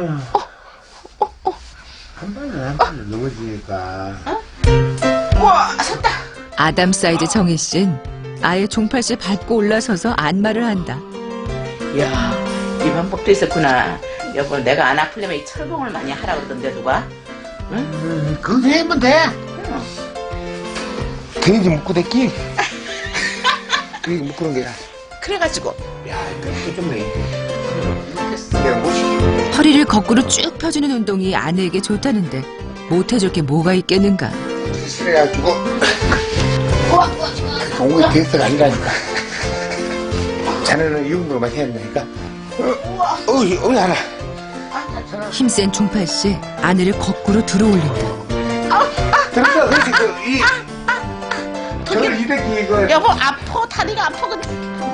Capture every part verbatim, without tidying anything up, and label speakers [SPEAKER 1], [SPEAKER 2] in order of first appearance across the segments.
[SPEAKER 1] 어? 어? 어?
[SPEAKER 2] 한 번에 한 번에 넘어지니까.
[SPEAKER 1] 어? 우와, 섰다.
[SPEAKER 3] 아담 사이즈 정희 씨는 아예 종팔씨 밟고 올라서서 안마를 한다.
[SPEAKER 1] 이야, 이 방법도 있었구나. 여보, 내가 안 아프려면 이 철봉을 많이 하라 그러던데, 누가? 응?
[SPEAKER 2] 음, 그거 하면 돼.
[SPEAKER 1] 응.
[SPEAKER 2] 괜히 묶고 댔기. 이거 묶는 거야.
[SPEAKER 1] 그래가지고.
[SPEAKER 2] 야, 이거 좀 해.
[SPEAKER 1] 못했어.
[SPEAKER 2] 내가 못 시키고.
[SPEAKER 3] 허리를 거꾸로 쭉 펴주는 운동이 아내에게 좋다는데 못해줄 게 뭐가 있겠는가.
[SPEAKER 2] 그래가지고. 공이 대서가 아니라니까. 자네는 이 운동만 해야 되니까. 어, 어이, 어이, 하나.
[SPEAKER 3] 힘센 종팔씨 아내를 거꾸로 들어올린다.
[SPEAKER 2] 들었어, 그렇지, 그, 이. 저를 이렇게 이거.
[SPEAKER 1] 여보, 아파. 다리가 아파. 근데.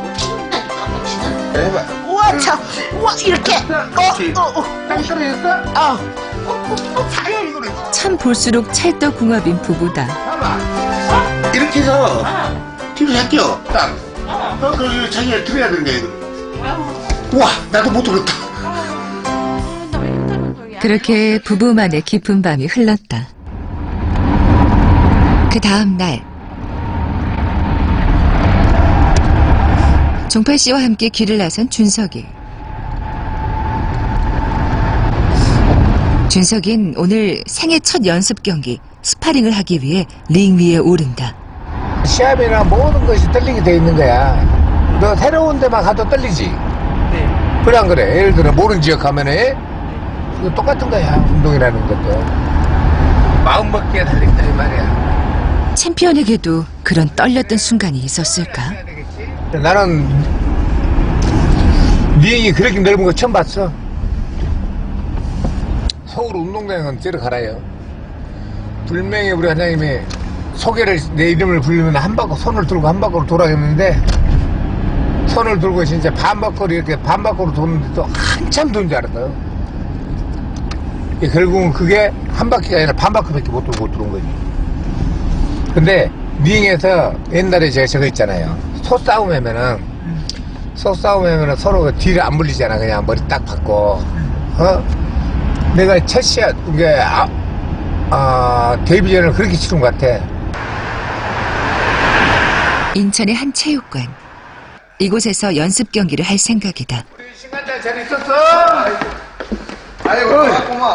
[SPEAKER 2] 해봐.
[SPEAKER 1] 우와, 참. 우와, 이렇게.
[SPEAKER 2] 그렇지.
[SPEAKER 1] 어, 어, 어.
[SPEAKER 2] 땅 떨어졌어?
[SPEAKER 1] 어.
[SPEAKER 2] 아야, 이거는.
[SPEAKER 3] 참 볼수록 찰떡궁합인 부부다.
[SPEAKER 2] 봐봐. 이렇게 해서.
[SPEAKER 1] 어.
[SPEAKER 2] 뒤로 잡겨. 딱.
[SPEAKER 1] 어.
[SPEAKER 2] 어, 그, 자기가 들어야 되는 거야, 이거. 우와, 나도 못 들었다.
[SPEAKER 3] 그렇게 부부만의 깊은 밤이 흘렀다. 그 다음 날 종팔 씨와 함께 길을 나선 준석이. 준석인 오늘 생애 첫 연습 경기 스파링을 하기 위해 링 위에 오른다.
[SPEAKER 2] 시합이나 모든 것이 떨리게 돼 있는 거야. 너 새로운 데만 가도 떨리지?
[SPEAKER 1] 네.
[SPEAKER 2] 그래 안 그래? 예를 들어 모르는 지역 가면은 이거 똑같은 거야. 운동이라는 것도 마음먹기에 달린다 이 말이야.
[SPEAKER 3] 챔피언에게도 그런 떨렸던 순간이 있었을까?
[SPEAKER 2] 나는 링이 그렇게 넓은 거 처음 봤어. 서울 운동장은 저리 가라요. 분명히 우리 회장님이 소개를 내 이름을 부르면 한 바퀴 손을 들고 한 바퀴로 돌아갔는데 손을 들고 진짜 반바퀴로 이렇게 반바퀴로 도는데도 한참 도는 줄 알았어요. 결국은 그게 한 바퀴가 아니라 반바퀴밖에 못 돌고 들어온 거지. 근데 링에서 옛날에 제가 저거 있잖아요. 소싸움 하면은 소싸움 하면은 서로 뒤를 안 물리잖아. 그냥 머리 딱 받고. 어? 내가 첫 시합 이게 아, 아 데뷔전을 그렇게 치른 것 같아.
[SPEAKER 3] 인천의 한 체육관. 이곳에서 연습 경기를 할 생각이다.
[SPEAKER 2] 우리 신간장 잘 있었어?
[SPEAKER 4] 아이고, 고마워.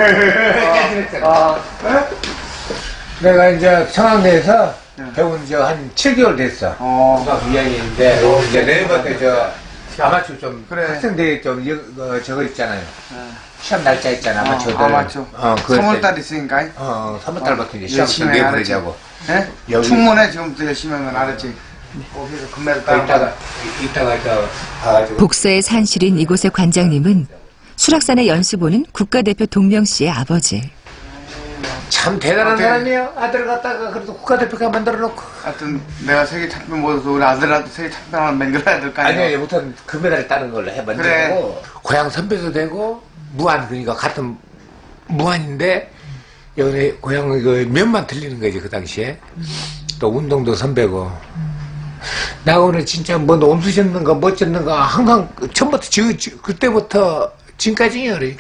[SPEAKER 2] 아, 내가 이제 청와대에서 배운 지 한 칠 개월 됐어.
[SPEAKER 4] 어.
[SPEAKER 2] 중학교 이 학년인데 이제 내일부터 저 아마추어 좀
[SPEAKER 4] 그래.
[SPEAKER 2] 학생대회 좀 어, 저거 있잖아요. 시험 날짜 있잖아. 아마추어들.
[SPEAKER 4] 어, 아마추어.
[SPEAKER 2] 어, 그거
[SPEAKER 4] 삼월달 있으니까.
[SPEAKER 2] 어, 삼월달부터 이제 시험
[SPEAKER 4] 열심히
[SPEAKER 2] 좀
[SPEAKER 4] 알았지.
[SPEAKER 2] 내보내자고.
[SPEAKER 4] 예?
[SPEAKER 2] 여기-
[SPEAKER 4] 충분해, 지금부터 열심히 하면 알았지. 거기서 금메달 따고.
[SPEAKER 2] 이따가 이따가 이따 가가지고.
[SPEAKER 3] 복서의 산실인 이곳의 관장님은 수락산에 연습 오는 국가대표 동명 씨의 아버지.
[SPEAKER 2] 참 대단한
[SPEAKER 4] 어때?
[SPEAKER 2] 사람이야. 아들 갖다가 그래도 국가대표가 만들어 놓고.
[SPEAKER 4] 하여튼, 내가 세계 챔피언 못해서 우리 아들한테 세계 챔피언 하나 만들어야 될 거 아니야.
[SPEAKER 2] 아니야, 얘부터는 금메달을 따는 걸로 해 만들고.
[SPEAKER 4] 그래.
[SPEAKER 2] 고향 선배도 되고 무한 그러니까 같은 무한인데 여기 고향 그 면만 틀리는 거지 그 당시에. 또 운동도 선배고. 나 오늘 진짜 뭐 온수 젓는가 뭐 젓는가 항상 처음부터 저, 저, 그때부터 지금까지 열이.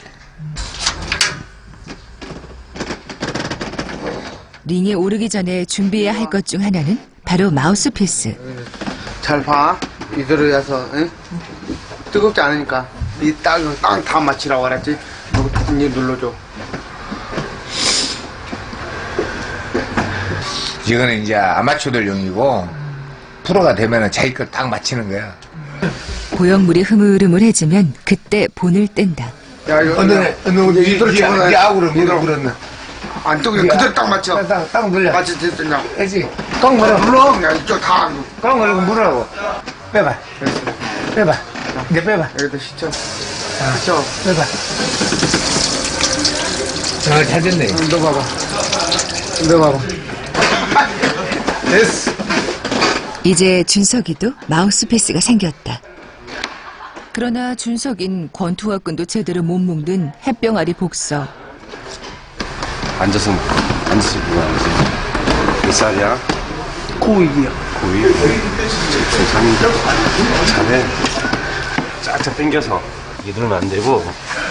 [SPEAKER 3] 링에 오르기 전에 준비해야 할 것 중 하나는 바로 마우스피스.
[SPEAKER 4] 잘 봐. 이대로 해서, 응? 뜨겁지 않으니까. 이 딱, 딱 다 맞추라고 그랬지. 여기 탁이 눌러줘.
[SPEAKER 2] 이거는 이제 아마추어들용이고 프로가 되면은 자기 걸 딱 맞히는 거야.
[SPEAKER 3] 고형물이 흐물흐물해지면 그때 본을 뗀다.
[SPEAKER 4] 야, 이거.
[SPEAKER 2] 어느 어느
[SPEAKER 4] 이대로
[SPEAKER 2] 이
[SPEAKER 4] 집어넣어야
[SPEAKER 2] 이 아우를
[SPEAKER 4] 이대로.
[SPEAKER 2] 물었나?
[SPEAKER 4] 안 뜨고 그대로 딱 맞춰.
[SPEAKER 2] 딱, 딱 눌려.
[SPEAKER 4] 맞지, 됐냐.
[SPEAKER 2] 그렇지. 꽉 물어.
[SPEAKER 4] 눌러. 그냥 이쪽 다.
[SPEAKER 2] 꽉 물고 물으라고. 빼봐. 빼봐. 이제 빼봐.
[SPEAKER 4] 여기다 시쳐. 시쳐.
[SPEAKER 2] 빼봐. 잘 찾았네.
[SPEAKER 4] 응, 너 봐봐. 너 봐봐.
[SPEAKER 2] 됐어.
[SPEAKER 3] 이제 준석이도 마우스피스가 생겼다. 그러나 준석인 권투와 끈도 제대로 못 묶는 햇병아리 복서.
[SPEAKER 5] 앉아서 먹고 앉아서 먹고 앉아서 몇 살이야?
[SPEAKER 4] 고이기야.
[SPEAKER 5] 고이? 세상이 잘해 쫙쫙 당겨서 이게 누르면 안 되고